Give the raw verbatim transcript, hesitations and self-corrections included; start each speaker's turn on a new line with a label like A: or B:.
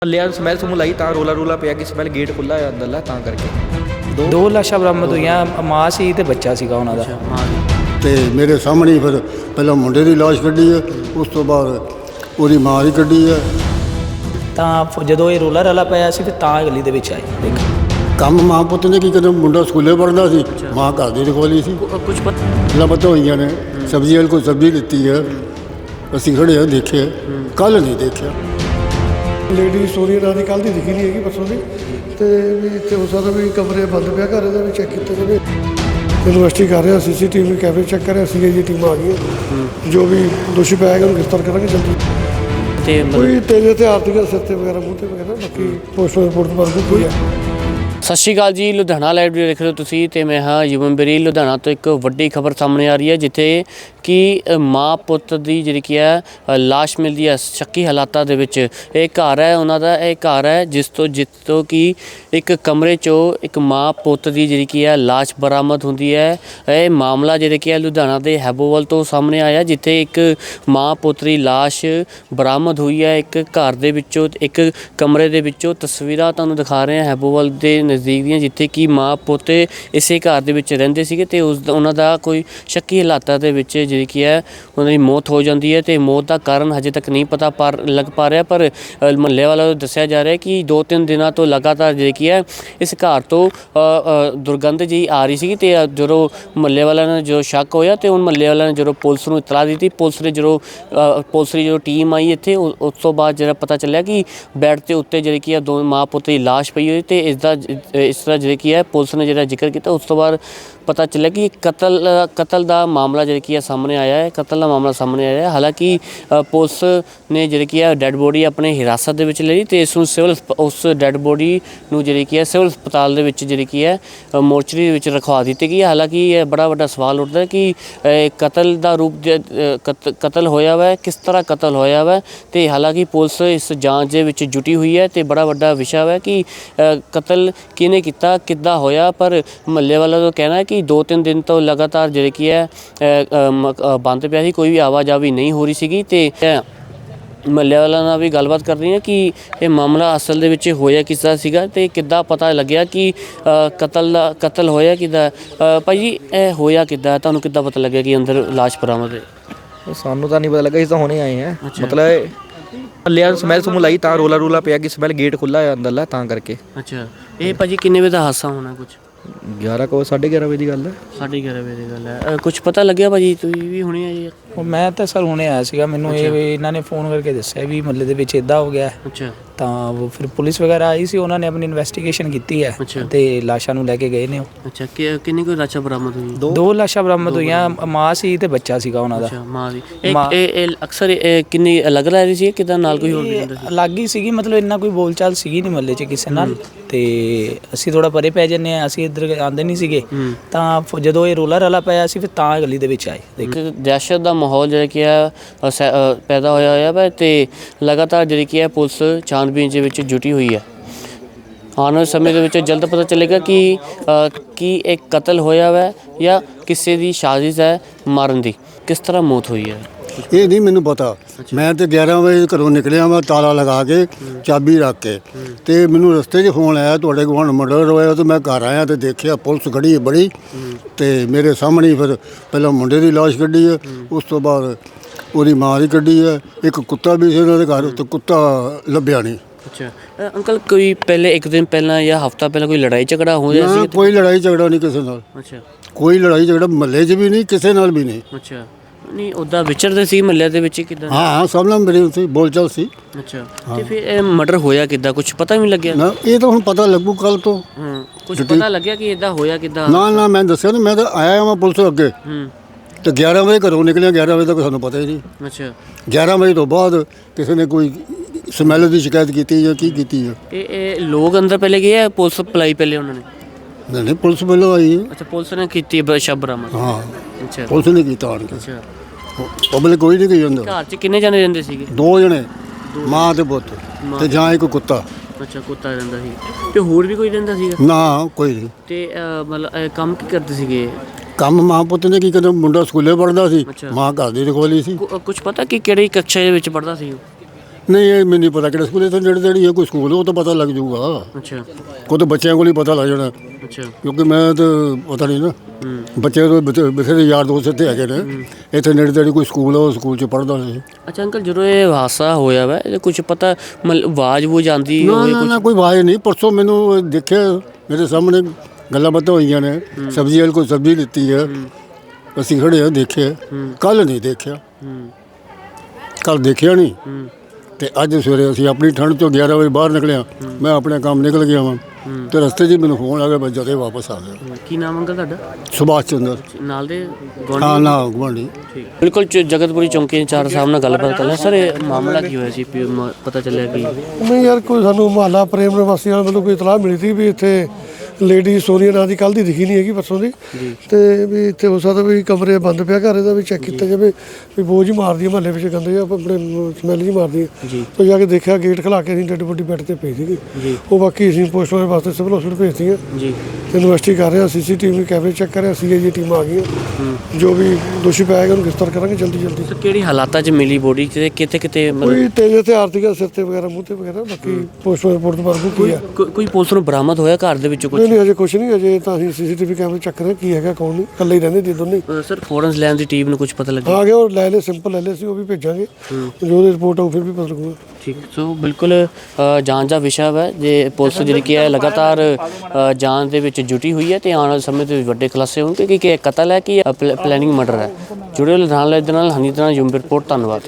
A: ਲਿਆ ਸਮੈਲ ਸਮੂਲ ਆਈ ਤਾਂ ਰੋਲਾ ਰੂਲਾ ਪਿਆ ਕਿ ਸਮੈਲ ਗੇਟ ਖੁੱਲ੍ਹਾ ਹੈ ਅੰਦਰਲਾ ਤਾਂ ਕਰਕੇ
B: ਦੋ ਲਾਸ਼ਾਂ ਬਰਾਮਦ ਹੋਈਆਂ, ਮਾਂ ਸੀ ਤੇ ਬੱਚਾ ਸੀਗਾ ਉਹਨਾਂ ਦਾ।
C: ਤੇ ਮੇਰੇ ਸਾਹਮਣੇ ਫਿਰ ਪਹਿਲਾਂ ਮੁੰਡੇ ਦੀ ਲਾਸ਼ ਕੱਢੀ ਹੈ, ਉਸ ਤੋਂ ਬਾਅਦ ਉਹਦੀ ਮਾਂ ਦੀ ਕੱਢੀ ਹੈ।
B: ਤਾਂ ਫ- ਜਦੋਂ ਇਹ ਰੋਲਾ ਰਲਾ ਪਿਆ ਸੀ ਫਿਰ ਤਾਂ ਗਲੀ ਦੇ ਵਿੱਚ ਆਈ ਦੇਖ।
C: ਕੰਮ ਮਾਂ ਪੁੱਤ ਨੇ ਕੀ ਕਦਮ, ਮੁੰਡਾ ਸਕੂਲੇ ਪੜ੍ਹਦਾ ਸੀ, ਮਾਂ ਘਰ ਦੀ ਰਖਵਾਲੀ ਸੀ।
B: ਕੁਝ ਪਤਾ
C: ਲਾਪਤਾ ਹੋਈਆਂ ਨੇ। ਸਬਜ਼ੀ ਵਾਲੇ ਕੋਈ ਸਬਜ਼ੀ ਦਿੱਤੀ ਹੈ, ਅਸੀਂ ਖੜੇ ਹਾਂ ਦੇਖਿਆ, ਕੱਲ੍ਹ ਨਹੀਂ ਦੇਖਿਆ।
D: ਲੇਡੀ ਸਟੋਰੀ ਰਾਤ ਦੀ ਕੱਲ੍ਹ ਦੀ ਦਿਖੀ ਨਹੀਂ ਹੈਗੀ, ਪਰਸੋਂ ਦੀ। ਤੇ ਵੀ ਇੱਥੇ ਹੋ ਸਕਦਾ ਵੀ ਕਮਰੇ ਬੰਦ ਪਿਆ, ਘਰ ਇਹਦਾ ਵੀ ਚੈੱਕ ਕੀਤਾ ਜਾਵੇ। ਯੂਨੀਵਰਸਿਟੀ ਕਰ ਰਿਹਾ, ਸੀ ਸੀ ਟੀ ਵੀ ਕੈਮਰੇ ਚੈੱਕ ਕਰ ਰਿਹਾ, ਸੀ ਆਈ ਜੀ ਟੀਮ ਆ ਗਈ ਹੈ। ਜੋ ਵੀ ਦੋਸ਼ੀ ਪਾਇਆ ਗਿਆ ਉਹਨੂੰ ਗ੍ਰਿਫਤਾਰ ਕਰਾਂਗੇ ਜਲਦੀ।
B: ਤੇ
D: ਕੋਈ ਤੇਜ਼ ਹਥਿਆਰ ਸੀਗਾ ਸਿਰ ਤੇ ਵਗੈਰਾ, ਮੂੰਹ ਤੇ ਵਗੈਰਾ। ਬਾਕੀ ਪੋਸਟਮਾਰਟਮ ਰਿਪੋਰਟ ਤੋਂ ਬਾਅਦ ਕੋਈ ਹੈ।
E: ਸਤਿ ਸ਼੍ਰੀ ਅਕਾਲ ਜੀ, ਲੁਧਿਆਣਾ ਲਾਈਵ ਵੀਡੀਓ ਦੇਖ ਰਹੇ ਹੋ ਤੁਸੀਂ ਤੇ ਮੈਂ ਹਾਂ ਯੁਵਨ ਬਰੀ। ਲੁਧਿਆਣਾ ਤੋਂ ਇੱਕ ਵੱਡੀ ਖਬਰ ਸਾਹਮਣੇ ਆ ਰਹੀ ਹੈ, ਜਿੱਥੇ ਕਿ ਮਾਂ ਪੁੱਤ ਦੀ ਜਿਹੜੀ ਕੀ ਹੈ ਲਾਸ਼ ਮਿਲਦੀ ਹੈ ਸ਼ੱਕੀ ਹਾਲਾਤਾਂ ਦੇ ਵਿੱਚ। ਇਹ ਘਰ ਹੈ ਉਹਨਾਂ ਦਾ, ਇਹ ਘਰ ਹੈ ਜਿਸ ਤੋਂ ਜਿਸ ਤੋਂ ਕਿ ਇੱਕ ਕਮਰੇ 'ਚੋਂ ਇੱਕ ਮਾਂ ਪੁੱਤ ਦੀ ਜਿਹੜੀ ਕੀ ਹੈ ਲਾਸ਼ ਬਰਾਮਦ ਹੁੰਦੀ ਹੈ। ਇਹ ਮਾਮਲਾ ਜਿਹੜਾ ਕੀ ਹੈ ਲੁਧਿਆਣਾ ਦੇ ਹੈਬੋਵਾਲ ਤੋਂ ਸਾਹਮਣੇ ਆਇਆ, ਜਿੱਥੇ ਇੱਕ ਮਾਂ ਪੁੱਤ ਦੀ ਲਾਸ਼ ਬਰਾਮਦ ਹੋਈ ਹੈ ਇੱਕ ਘਰ ਦੇ ਵਿੱਚੋਂ, ਇੱਕ ਕਮਰੇ ਦੇ ਵਿੱਚੋਂ। ਤਸਵੀਰਾਂ ਤੁਹਾਨੂੰ ਦਿਖਾ ਰਹੇ ਹਾਂ ਹੈਬੋਵਾਲ ਦੇ ਨਜ਼ਦੀਕ ਦੀਆਂ, ਜਿੱਥੇ ਕਿ ਮਾਂ ਪੁੱਤ ਇਸੇ ਘਰ ਦੇ ਵਿੱਚ ਰਹਿੰਦੇ ਸੀਗੇ ਤੇ ਉਸ ਉਹਨਾਂ ਦਾ ਕੋਈ ਸ਼ੱਕੀ ਹਾਲਾਤਾਂ ਦੇ ਵਿੱਚ ਜਿਹੜੀ ਕੀ ਹੈ ਉਹਨਾਂ ਦੀ ਮੌਤ ਹੋ ਜਾਂਦੀ ਹੈ। ਤੇ ਮੌਤ ਦਾ ਕਾਰਨ ਹਜੇ ਤੱਕ ਨਹੀਂ ਪਤਾ ਪਰ ਲੱਗ ਪਾ ਰਿਹਾ, ਪਰ ਮੁਹੱਲੇ ਵਾਲਿਆਂ ਨੂੰ ਦੱਸਿਆ ਜਾ ਰਿਹਾ ਕਿ ਦੋ ਤਿੰਨ ਦਿਨਾਂ ਤੋਂ ਲਗਾਤਾਰ ਜਿਹੜੀ ਕੀ ਹੈ ਇਸ ਘਰ ਤੋਂ ਦੁਰਗੰਧ ਜਿਹੀ ਆ ਰਹੀ ਸੀਗੀ। ਤੇ ਜਦੋਂ ਮੁਹੱਲੇ ਵਾਲਿਆਂ ਨੂੰ ਜਦੋਂ ਸ਼ੱਕ ਹੋਇਆ ਤੇ ਹੁਣ ਮੁਹੱਲੇ ਵਾਲਿਆਂ ਨੇ ਜਦੋਂ ਪੁਲਿਸ ਨੂੰ ਇਤਲਾਹ ਦਿੱਤੀ, ਪੁਲਿਸ ਨੇ ਜਦੋਂ ਪੁਲਿਸ ਦੀ ਜਦੋਂ ਟੀਮ ਆਈ ਇੱਥੇ, ਉਸ ਤੋਂ ਬਾਅਦ ਜਿਹੜਾ ਪਤਾ ਚੱਲਿਆ ਕਿ ਬੈੱਡ ਦੇ ਉੱਤੇ ਜਿਹੜੀ ਕੀ ਹੈ ਦੋ ਮਾਂ ਪੁੱਤ ਦੀ ਲਾਸ਼ ਪਈ ਹੋਈ। ਤੇ ਇਸ ਦਾ ਇਸ ਤਰ੍ਹਾਂ ਜਿਹੜਾ ਕੀ ਹੈ ਪੁਲਿਸ ਨੇ ਜਿਹੜਾ ਜ਼ਿਕਰ ਕੀਤਾ, ਉਸ ਤੋਂ ਬਾਅਦ ਪਤਾ ਚੱਲਿਆ ਕਿ ਕਤਲ ਕਤਲ ਦਾ ਮਾਮਲਾ ਜਿਹੜਾ ਕੀ ਹੈ ਸਾਹਮਣੇ ਆਇਆ ਹੈ। ਕਤਲ ਦਾ ਮਾਮਲਾ ਸਾਹਮਣੇ ਆਇਆ ਹੈ। ਹਾਲਾਂਕਿ ਪੁਲਿਸ ਨੇ ਜਿਹੜੀ ਕੀ ਹੈ ਡੈੱਡ ਬੋਡੀ ਆਪਣੇ ਹਿਰਾਸਤ ਦੇ ਵਿੱਚ ਲੈ ਲਈ ਤੇ ਇਸ ਨੂੰ ਸਿਵਲ ਉਸ ਡੈੱਡ ਬੋਡੀ ਨੂੰ ਜਿਹੜੀ ਕੀ ਹੈ ਸਿਵਲ ਹਸਪਤਾਲ ਦੇ ਵਿੱਚ ਜਿਹੜੀ ਕੀ ਹੈ ਮੋਰਚਰੀ ਦੇ ਵਿੱਚ ਰਖਵਾ ਦਿੱਤੀ ਗਈ ਹੈ। ਹਾਲਾਂਕਿ ਇਹ ਬੜਾ ਵੱਡਾ ਸਵਾਲ ਉੱਠਦਾ ਕਿ ਕਤਲ ਦਾ ਰੂਪ ਕਤਲ ਹੋਇਆ ਵਾ, ਕਿਸ ਤਰ੍ਹਾਂ ਕਤਲ ਹੋਇਆ ਵਾ। ਤੇ ਹਾਲਾਂਕਿ ਪੁਲਿਸ ਇਸ ਜਾਂਚ ਦੇ ਵਿੱਚ ਜੁਟੀ ਹੋਈ ਹੈ ਤੇ ਬੜਾ ਵੱਡਾ ਵਿਸ਼ਾ ਹੈ ਕਿ ਕਤਲ ਕਿਹਨੇ ਕੀਤਾ, ਕਿੱਦਾਂ ਹੋਇਆ। ਪਰ ਮੁਹੱਲੇ ਵਾਲਾ ਦਾ ਕਹਿਣਾ ਹੈ ਕਿ ਦੋ ਤਿੰਨ ਦਿਨ ਤੋਂ ਲਗਾਤਾਰ ਜਿਹੜੀ ਕੀ ਹੈ ਬੰਦ ਪਿਆ ਸੀ, ਕੋਈ ਵੀ ਆਵਾਜਾਵੀ ਨਹੀਂ ਹੋ ਰਹੀ ਸੀਗੀ। ਤੇ ਮੁਹੱਲੇ ਵਾਲਿਆਂ ਨਾਲ ਵੀ ਗੱਲਬਾਤ ਕਰ ਰਹੀ ਹਾਂ ਕਿ ਇਹ ਮਾਮਲਾ ਅਸਲ ਦੇ ਵਿੱਚ ਹੋਇਆ ਕਿਸ ਤਰ੍ਹਾਂ ਸੀਗਾ ਤੇ ਕਿੱਦਾਂ ਪਤਾ ਲੱਗਿਆ ਕਿ ਕਤਲ ਦਾ ਕਤਲ ਹੋਇਆ ਕਿੱਦਾਂ। ਭਾਈ ਜੀ ਇਹ ਹੋਇਆ ਕਿੱਦਾਂ, ਤੁਹਾਨੂੰ ਕਿੱਦਾਂ ਪਤਾ ਲੱਗਿਆ ਕਿ ਅੰਦਰ ਲਾਸ਼ ਬਰਾਮਦ ਹੈ?
A: ਸਾਨੂੰ ਤਾਂ ਨਹੀਂ ਪਤਾ ਲੱਗਾ, ਅਸੀਂ ਤਾਂ ਹੁਣੇ ਆਏ ਹਾਂ। ਮਤਲਬ ਲਿਆ ਸਮੈਲ ਸਮੂਲ ਆਈ ਤਾਂ ਰੋਲਾ ਰੂਲਾ ਪਿਆ ਕਿ ਸਮੈਲ ਗੇਟ ਖੁੱਲ੍ਹਾ ਹੈ ਅੰਦਰਲਾ ਤਾਂ ਕਰਕੇ।
E: ਅੱਛਾ, ਇਹ ਭਾਜੀ ਕਿੰਨੇ ਵਜੇ ਦਾ ਹਾਦਸਾ ਹੋਣਾ? ਕੁਝ
A: ਗਿਆਰਾਂ ਕੁ ਸਾਢੇ ਗਿਆਰਾਂ ਵਜੇ ਦੀ ਗੱਲ ਹੈ।
E: ਸਾਢੇ ਗਿਆਰਾਂ ਵਜੇ ਦੀ ਗੱਲ ਹੈ। ਕੁਝ ਪਤਾ ਲੱਗਿਆ ਭਾਜੀ? ਤੁਸੀਂ ਵੀ ਹੁਣੇ ਆਏ?
B: ਉਹ ਮੈਂ ਤਾਂ ਸਰ ਹੁਣੇ ਆਇਆ ਸੀਗਾ, ਮੈਨੂੰ ਇਹ ਇਹਨਾਂ ਨੇ ਫੋਨ ਕਰਕੇ ਦੱਸਿਆ ਵੀ ਮਹੱਲੇ ਦੇ ਵਿੱਚ ਇੱਦਾਂ ਹੋ ਗਿਆ।
E: ਅੱਛਾ,
B: ਤਾਂ ਉਹ ਫਿਰ ਪੁਲਿਸ ਵਗੈਰਾ ਆਈ ਸੀ, ਉਹਨਾਂ ਨੇ ਆਪਣੀ ਇਨਵੈਸਟੀਗੇਸ਼ਨ ਕੀਤੀ ਹੈ ਤੇ ਲਾਸ਼ਾਂ ਨੂੰ ਲੈ ਕੇ ਗਏ ਨੇ ਉਹ।
E: ਅੱਛਾ, ਕਿੰਨੀ ਕੋਈ ਲਾਸ਼ਾਂ ਬਰਾਮਦ ਹੋਈ?
B: ਦੋ ਲਾਸ਼ਾਂ ਬਰਾਮਦ ਹੋਈਆਂ, ਮਾਂ ਸੀ ਤੇ ਬੱਚਾ ਸੀਗਾ ਉਹਨਾਂ ਦਾ।
E: ਅੱਛਾ, ਮਾਂ ਦੀ। ਇਹ ਅਕਸਰ ਕਿੰਨੀ ਅਲੱਗ ਰਹਿ ਰਹੀ ਸੀ ਕਿਦਾਂ, ਨਾਲ ਕੋਈ ਹੋਰ ਵੀ ਰਹਿੰਦਾ ਸੀ?
B: ਅਲੱਗ ਹੀ ਸੀਗੀ, ਮਤਲਬ ਇੰਨਾ ਕੋਈ ਬੋਲਚਾਲ ਸੀਗੀ ਨਹੀਂ ਮਹੱਲੇ 'ਚ ਕਿਸੇ ਨਾਲ। ਤੇ ਅਸੀਂ ਥੋੜਾ ਪਰੇ ਪੈ ਜੰਨੇ ਆ, ਅਸੀਂ ਇੱਧਰ ਆਉਂਦੇ ਨਹੀਂ ਸੀਗੇ। ਤਾਂ ਫ- ਜਦੋਂ ਇਹ ਰੋਲਾ ਰਲਾ ਪਿਆ ਸੀ ਫਿਰ ਤਾਂ ਗਲੀ ਦੇ ਵਿੱਚ ਆਏ।
E: ਇੱਕ ਦਹਿਸ਼ਤ ਦਾ ਮਾਹੌਲ ਜਿਹੜਾ ਕੀ ਹੈ ਪੈਦਾ ਹੋਇਆ ਹੋਇਆ ਵਾ ਤੇ ਲਗਾਤਾਰ ਜਿਹੜੀ ਕੀ ਹੈ ਪੁਲਿਸ ਛਾਣਬੀਨ ਦੇ ਵਿੱਚ ਜੁਟੀ ਹੋਈ ਹੈ। ਆਉਣ ਵਾਲੇ ਸਮੇਂ ਦੇ ਵਿੱਚ ਜਲਦ ਪਤਾ ਚੱਲੇਗਾ ਕਿ ਕੀ ਇਹ ਕਤਲ ਹੋਇਆ ਵਾ ਜਾਂ ਕਿਸੇ ਦੀ ਸਾਜ਼ਿਸ਼ ਹੈ ਮਾਰਨ ਦੀ, ਕਿਸ ਤਰ੍ਹਾਂ ਮੌਤ ਹੋਈ ਹੈ
C: ਇਹ ਨਹੀਂ ਮੈਨੂੰ ਪਤਾ। ਮੈਂ ਤੇ ਗਿਆਰਾਂ ਵਜੇ ਘਰੋਂ ਨਿਕਲਿਆ, ਮੈਂ ਤਾਲਾ ਲਗਾ ਕੇ ਚਾਬੀ ਰੱਖ ਕੇ, ਤੇ ਮੈਨੂੰ ਰਸਤੇ 'ਚ ਫੋਨ ਆਇਆ ਤੁਹਾਡੇ ਕੋਲ ਮਰਡਰ ਹੋਇਆ। ਤੇ ਮੈਂ ਘਰ ਆਇਆ ਤੇ ਦੇਖਿਆ ਪੁਲਿਸ ਖੜੀ ਬੜੀ, ਤੇ ਮੇਰੇ ਸਾਹਮਣੇ ਫਿਰ ਪਹਿਲਾਂ ਮੁੰਡੇ ਦੀ ਲਾਸ਼ ਕੱਢੀ ਹੈ, ਉਸ ਤੋਂ ਬਾਅਦ ਉਹਦੀ ਮਾਂ ਦੀ ਕੱਢੀ ਹੈ। ਇੱਕ ਕੁੱਤਾ ਵੀ ਸੀ ਉਹਨਾਂ ਦੇ ਘਰ, ਤੇ ਕੁੱਤਾ ਲੱਭਿਆ ਨਹੀਂ।
E: ਅੱਛਾ ਅੰਕਲ, ਕੋਈ ਪਹਿਲੇ ਇੱਕ ਦਿਨ ਪਹਿਲਾਂ ਜਾਂ ਹਫ਼ਤਾ ਪਹਿਲਾਂ ਕੋਈ ਲੜਾਈ ਝਗੜਾ ਹੋ ਰਿਹਾ ਸੀ?
C: ਕੋਈ ਲੜਾਈ ਝਗੜਾ ਨਹੀਂ ਕਿਸੇ ਨਾਲ।
E: ਅੱਛਾ, ਕੋਈ
C: ਲੜਾਈ ਝਗੜਾ ਮਹੱਲੇ 'ਚ ਵੀ ਨਹੀਂ, ਕਿਸੇ ਨਾਲ ਵੀ ਨਹੀਂ।
E: ਅੱਛਾ, ਨਹੀਂ ਉੱਦਾਂ ਵਿਚਰਦੇ ਸੀ ਮਹੱਲੇ ਦੇ ਵਿੱਚ ਕਿੱਦਾਂ?
C: ਹਾਂ ਹਾਂ ਸਭ ਨਾਲ ਮੇਰੀ ਉੱਥੇ ਬੋਲਚਾਲ ਸੀ।
E: ਅੱਛਾ, ਤੇ ਫਿਰ ਇਹ ਮਰਡਰ ਹੋਇਆ ਕਿੱਦਾਂ, ਕੁਝ ਪਤਾ ਵੀ ਨਹੀਂ ਲੱਗਿਆ?
C: ਨਾ ਇਹ ਤਾਂ ਹੁਣ ਪਤਾ ਲੱਗੂ ਕੱਲ ਤੋਂ।
E: ਹਾਂ, ਕੁਝ ਪਤਾ ਲੱਗਿਆ ਕਿ ਇੱਦਾਂ ਹੋਇਆ ਕਿੱਦਾਂ?
C: ਨਾ ਨਾ ਮੈਂ ਦੱਸਿਆ ਨਾ, ਮੈਂ ਤਾਂ ਆਇਆ ਮੈਂ ਪੁਲਿਸ ਅੱਗੇ,
E: ਹੂੰ,
C: ਤੇ ਗਿਆਰਾਂ ਵਜੇ ਘਰੋਂ ਨਿਕਲਿਆ। ਗਿਆਰਾਂ ਵਜੇ ਤੱਕ ਸਾਨੂੰ ਪਤਾ ਹੀ ਨਹੀਂ।
E: ਅੱਛਾ,
C: ਗਿਆਰਾਂ ਵਜੇ ਤੋਂ ਬਾਅਦ ਕਿਸੇ ਨੇ ਕੋਈ ਸਮੈਲ ਦੀ ਸ਼ਿਕਾਇਤ ਕੀਤੀ ਜਾਂ ਕੀ ਕੀਤੀ ਹੈ?
E: ਇਹ ਇਹ ਲੋਕ ਅੰਦਰ ਪਹਿਲੇ ਗਏ ਆ, ਪੁਲਿਸ ਸਪਲਾਈ ਪਹਿਲੇ ਉਹਨਾਂ ਨੇ?
C: ਨਹੀਂ ਨਹੀਂ ਪੁਲਿਸ ਵੱਲੋਂ ਆਈ ਹੈ।
E: ਅੱਛਾ, ਪੁਲਿਸ ਨੇ ਕੀਤੀ ਸ਼ਬ ਬਰਾਮਦ?
C: ਹਾਂ,
E: ਅੱਛਾ,
C: ਪੁਲਿਸ ਨੇ ਕੀਤਾ ਆਣ ਕੇ।
E: ਅੱਛਾ,
C: ਪਬਲਿਕ ਕੋਈ ਨਹੀਂ ਗਈ ਅੰਦਰ।
E: ਘਰ 'ਚ ਕਿੰਨੇ ਜਣੇ ਰਹਿੰਦੇ ਸੀਗੇ?
C: ਦੋ ਜਣੇ, ਮਾਂ ਤੇ ਪੁੱਤ, ਤੇ ਜਾਂ ਇੱਕ ਕੁੱਤਾ।
E: ਅੱਛਾ, ਕੁੱਤਾ ਰਹਿੰਦਾ ਸੀ ਤੇ ਹੋਰ ਵੀ ਕੋਈ ਰਹਿੰਦਾ ਸੀਗਾ?
C: ਨਾ ਕੋਈ ਨਹੀਂ।
E: ਤੇ ਮਤਲਬ ਇਹ ਕੰਮ ਕੀ ਕਰਦੇ ਸੀਗੇ?
C: ਕੰਮ ਮਾਂ ਪੁੱਤ ਨੇ ਕੀ ਕਦਮ, ਮੁੰਡਾ ਸਕੂਲੇ ਪੜ੍ਹਦਾ ਸੀ,
E: ਅੱਛਾ।
C: ਮਾਂ ਘਰ ਦੀ ਰਖਵਾਲੀ ਸੀ।
E: ਕੁਝ ਪਤਾ ਕਿ ਕਿਹੜੀ ਕਕਸ਼ਾ ਦੇ ਵਿੱਚ ਪੜ੍ਹਦਾ ਸੀ ਉਹ?
C: ਨਹੀਂ ਇਹ ਮੈਨੂੰ ਨਹੀਂ ਪਤਾ ਕਿਹੜੇ ਸਕੂਲ ਇੱਥੇ ਨੇੜੇ ਤੇੜੇ ਹੀ ਹੈ ਕੋਈ ਸਕੂਲ ਉਹ ਤਾਂ ਪਤਾ ਲੱਗ ਜਾਊਗਾ।
E: ਅੱਛਾ
C: ਉਹ ਤਾਂ ਬੱਚਿਆਂ ਕੋਲ ਹੀ ਪਤਾ ਲੱਗ ਜਾਣਾ
E: ਅੱਛਾ
C: ਕਿਉਂਕਿ ਮੈਂ ਤਾਂ ਪਤਾ ਨਹੀਂ ਨਾ ਬੱਚੇ ਤੋਂ ਬਥੇ- ਬਥੇਰੇ ਯਾਰ ਦੋਸਤ ਇੱਥੇ ਹੈਗੇ ਨੇ ਇੱਥੇ ਨੇੜੇ ਤੇੜੇ ਕੋਈ ਸਕੂਲ ਆ ਉਹ ਸਕੂਲ 'ਚ ਪੜ੍ਹਦਾ ਸੀ।
E: ਅੱਛਾ ਅੰਕਲ ਜਦੋਂ ਇਹ ਹਾਦਸਾ ਹੋਇਆ ਵਾ ਇਹ ਕੁਝ ਪਤਾ ਮਤਲਬ ਆਵਾਜ਼ ਵੂਜ ਆਉਂਦੀ
C: ਨਾ
E: ਹੋਵੇ
C: ਨਾ
E: ਕੁਝ?
C: ਨਾ ਕੋਈ ਆਵਾਜ਼ ਨਹੀਂ। ਪਰਸੋਂ ਮੈਨੂੰ ਦੇਖਿਆ ਮੇਰੇ ਸਾਹਮਣੇ ਗੱਲਾਂ ਬਾਤਾਂ ਹੋਈਆਂ ਨੇ ਸਬਜ਼ੀ ਵਾਲੀ ਕੋਈ ਸਬਜ਼ੀ ਲਿੱਤੀ ਹੈ ਅਸੀਂ ਖੜੇ ਹਾਂ ਦੇਖਿਆ। ਕੱਲ ਨਹੀਂ ਦੇਖਿਆ ਕੱਲ ਦੇਖਿਆ ਨਹੀਂ ਤੇ ਅੱਜ ਸਵੇਰੇ ਅਸੀਂ ਆਪਣੀ ਠੰਡ ਤੋਂ ਗਿਆਰਾਂ ਵਜੇ ਬਾਹਰ ਨਿਕਲਿਆ ਮੈਂ ਆਪਣੇ ਕੰਮ ਨਿਕਲ ਗਿਆ ਵਾਂ ਤੇ ਰਸਤੇ 'ਚ ਮੈਨੂੰ ਫੋਨ ਆ ਗਿਆ ਮੈਂ ਜਦੇ ਵਾਪਸ ਆ ਗਿਆ।
E: ਕੀ ਨਾਮ ਅੰਕਲ ਤੁਹਾਡਾ?
C: ਸੁਭਾਸ਼ ਚੰਦਰ
E: ਨਾਲ ਦੇ
C: ਹਾਂ
E: ਗੁਆਂਢੀ?
C: ਨਾ ਗੁਆਂਢੀ।
E: ਬਿਲਕੁਲ ਚ- ਜਗਤਪੁਰੀ ਚੌਂਕੀ ਇੰਚਾਰਜ ਸਾਹਿਬ ਨਾਲ ਗੱਲਬਾਤ ਕਰ ਲਿਆ ਸਰ ਇਹ ਮਾਮਲਾ ਕੀ ਹੋਇਆ ਸੀ ਵੀ ਮ- ਪਤਾ ਚੱਲਿਆ ਕਿ
D: ਨਹੀਂ ਯਾਰ ਕੋਈ ਸਾਨੂੰ ਮੁਹੱਲਾ ਪ੍ਰੇਮ ਨਿਵਾਸੀਆਂ ਵੱਲੋਂ ਕੋਈ ਇਤਲਾਹ ਮਿਲੀ ਸੀ ਵੀ ਇੱਥੇ ਲੇਡੀ ਸੋਨੀਆ ਨਾਂ ਦੀ ਕੱਲ੍ਹ ਦੀ ਦਿਖੀ ਨਹੀਂ ਹੈਗੀ ਪਰਸੋਂ ਦੀ ਤੇ ਵੀ ਇੱਥੇ ਹੋ ਸਕਦਾ ਵੀ ਕਮਰੇ ਬੰਦ ਪਿਆ ਘਰ ਇਹਦਾ ਵੀ ਚੈੱਕ ਕੀਤਾ ਜਾਵੇ ਵੀ ਬੋਝ ਹੀ ਮਾਰਦੀ ਹੈ ਮਹੱਲੇ ਵਿੱਚ ਗੰਦੇ ਆ ਆਪਣੇ ਸਮੈਲ ਜੀ ਮਾਰਦੀ ਹੈ ਤੇ ਜਾ ਕੇ ਦੇਖਿਆ ਗੇਟ ਖੁਲਾ ਕੇ ਅਸੀਂ ਡੱਡ ਬੁੱਡੀ ਬੈੱਡ ਤੇ ਪਈ ਸੀਗੀ ਉਹ ਬਾਕੀ ਅਸੀਂ ਪੋਸਟਮਾਰਟਮ ਵਾਸਤੇ ਸਿਵਲ ਹਸਪਤਾਲ ਭੇਜਤੀ ਹੈ
E: ਜੀ
D: ਤੇ ਇਨਵੈਸਟੀ ਕਰ ਰਹੇ ਹਾਂ ਸੀਸੀਟੀਵੀ ਕੈਮਰੇ ਚੈੱਕ ਕਰ ਰਹੇ ਹਾਂ ਸੀਆਈਏ ਟੀਮ ਆ ਗਈਆਂ ਜੋ ਵੀ ਦੋਸ਼ੀ ਪਾਇਆ ਗਿਆ ਉਹਨੂੰ ਗ੍ਰਿਫਤਾਰ ਕਰਾਂਗੇ ਜਲਦੀ ਜਲਦੀ।
E: ਸਰ ਕਿਹੜੀ ਹਾਲਾਤਾਂ 'ਚ ਮਿਲੀ ਬੋਡੀ ਤੇ ਕਿਤੇ ਕਿਤੇ ਮਤਲਬ
D: ਕੋਈ ਤੇਜ਼ ਹਥਿਆਰ ਸੀਗਾ ਸਿਰ ਤੇ ਵਗੈਰਾ ਮੂੰਹ ਤੇ ਵਗੈਰਾ ਬਾਕੀ ਪੋਸਟਮਾਰਟਮ ਰਿਪੋਰਟ ਤੋਂ ਬਾਅਦ ਕੀ ਆ
E: ਕੋ- ਕੋਈ ਪੁਲਿਸ ਨੂੰ ਬਰਾਮਦ ਹੋਇਆ ਘਰ ਦੇ ਵਿੱਚੋਂ ਕੁਝ?
D: ਨਹੀਂ ਨਹੀਂ ਅਜੇ ਕੁਛ ਨਹੀਂ ਅਜੇ ਤਾਂ ਅਸੀਂ ਸੀਸੀਟੀਵੀ ਕੈਮਰੇ ਚੱਕ ਰਹੇ ਹਾਂ, ਕੀ ਹੈਗਾ ਕੌਣ ਨਹੀਂ ਇਕੱਲੇ ਹੀ ਰਹਿੰਦੇ ਸੀ ਦੋਨੇ ਹੀ।
E: ਸਰ ਫੋਰੈਂਸ ਲੈਣ ਦੀ ਟੀਮ ਨੂੰ ਕੁਝ ਪਤਾ ਲੱਗਿਆ?
D: ਆ ਗਏ ਉਹ ਲੈ ਲੈ ਸਿੰਪਲ ਲੈ ਲੈ ਸੀ ਉਹ ਵੀ ਭੇਜਾਂਗੇ ਜੋ ਉਹਦੀ ਰਿਪੋਰਟ ਆਊ ਫਿਰ ਵੀ ਪਤਾ ਲੱਗੂਗਾ।
E: ਠੀਕ ਸੋ ਬਿਲਕੁਲ ਅ, ਜਾਂਚ ਦਾ ਵਿਸ਼ਾ ਹੈ ਜੇ ਪੁਲਿਸ ਜਿਹੜੀ ਕੀ ਹੈ ਲਗਾਤਾਰ ਅ, ਜਾਂਚ ਦੇ ਵਿੱਚ ਜੁਟੀ ਹੋਈ ਹੈ ਤੇ ਆਉਣ ਵਾਲੇ ਸਮੇਂ ਤੇ ਵੱਡੇ ਖੁਲਾਸੇ ਹੋਣਗੇ ਕਿ ਇਹ ਕਤਲ ਹੈ ਕਿ ਪਲੈਨਿੰਗ ਮਰਡਰ ਹੈ। ਜੁੜੇ ਹੋਏ ਨਾਲ ਇਹਦੇ ਨਾਲ ਹਨੀ ਤਰ੍ਹਾਂ ਯੂਮ ਰਿਪੋਰਟ। ਧੰਨਵਾਦ।